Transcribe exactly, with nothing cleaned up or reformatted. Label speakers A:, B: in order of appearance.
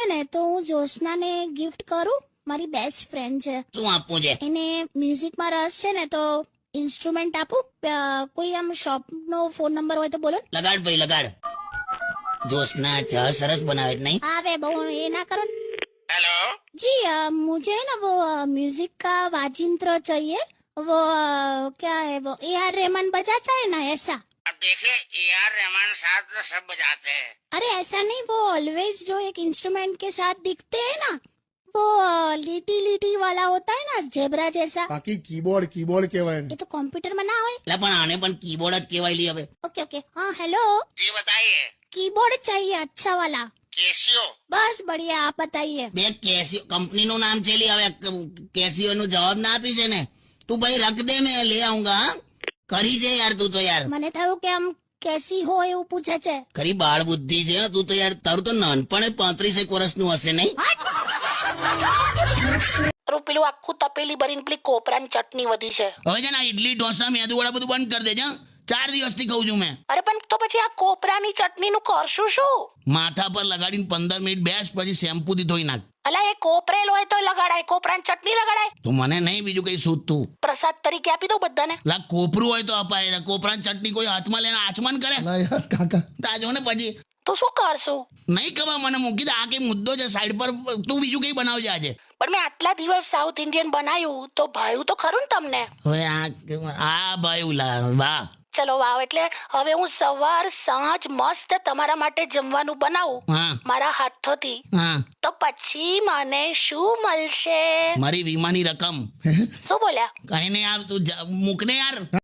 A: ને તો હું જ્યોત્સનાને ગિફ્ટ કરું. મારી બેસ્ટ ફ્રેન્ડ છે.
B: શું આપવું છે?
A: એને મ્યુઝિકમાં રસ છે ને તો ઇન્સ્ટ્રુમેન્ટ આપું. અ, કોઈ આમ શોપનો ફોન નંબર હોય તો બોલો ને.
B: લગાડ ભાઈ લગાડ. જ્યોત્સના ચા સરસ બનાવે છે નહીં?
A: આવે બહુ એ ના કરો ને.
C: हेलो
A: जी अ, मुझे ना वो म्यूजिक का वाजिंत्र चाहिए. वो अ, क्या है वो ए आर रहमान बजाता है ना ऐसा.
C: अब देखिए ए आर रहमान साहब तो सब बजाते हैं.
A: अरे ऐसा नहीं वो ऑलवेज जो एक इंस्ट्रूमेंट के साथ दिखते हैं ना वो अ, લીટી લીટી वाला होता है ना जेब्रा जैसा.
D: બાકી કીબોર્ડ કીબોર્ડ કહેવાય ને.
A: ये तो कंप्यूटर में ना હોય.
B: એટલે પણ આને પણ કીબોર્ડ જ કહેવાય લી હવે.
A: ओके ओके हाँ हेलो
C: जी बताइए.
A: कीबोर्ड चाहिए अच्छा वाला.
C: केसियो.
A: बस बढ़िया आप बताइए.
B: બે કેસિયો કંપનીનું નામ છે લી હવે. કેસિયો નો જવાબ ના આપી છે ને તું ભાઈ રખ દે મેં લઈ આऊंगा. હા કરી છે યાર તું તો યાર.
A: મને થયું કે આમ કેસી હો એવું પૂછે છે.
B: ખરી બાળ બુદ્ધિ છે હો તું તો યાર. તારું તો નાનપણ પાંત્રીસેક વર્ષનું હશે નહીં?
E: પેલું આખું તપેલી ભરીને પેલી કોપરાની ચટણી વધી છે.
B: હવે છે ને આ ઇડલી ઢોસા મેદુ વડા બધું બંધ કરી દેજે. ચાર દિવસથી કહું છું મેં.
E: અરે પણ તો પછી આ કોપરાની ચટણીનું કરશું શું?
B: માથા પર લગાડીને પંદર મિનિટ બેસ પછી શેમ્પૂથી ધોઈ નાખ.
E: અલા એ કોપરેલ હોય તો લગાડાય, કોપરાની ચટણી લગાડાય.
B: તો મને નહીં બીજું કઈ સૂતું.
E: પ્રસાદ તરીકે આપી દઉં બધાને.
B: લા કોપરું હોય તો અપાય. કોપરાની ચટણી કોઈ હાથમાં લઈને આચમન કરે?
D: ના યાર કાકા.
B: તાજો ને પછી
E: તો શું કરશું?
B: નહીં ખબર મને. મૂકી દે આ કઈ મુદ્દો છે સાઈડ પર. તું બીજું કઈ બનાવજે આજે.
E: પણ મેં આટલા દિવસ સાઉથ ઇન્ડિયન બનાવ્યું તો ભાવ્યું તો ખરું ને તમને?
B: હવે આ આ ભાઈ ઉલા વાહ.
E: ચલો વાવ. એટલે હવે હું સવાર સાંજ મસ્ત તમારા માટે જમવાનું બનાવું
B: હા
E: મારા હાથોથી,
B: હા
E: તો પછી મને શું મળશે?
B: મારી વીમાની રકમ.
E: શું બોલ્યા?
B: કઈ નહીં. આ તું જા- મૂક ને યાર.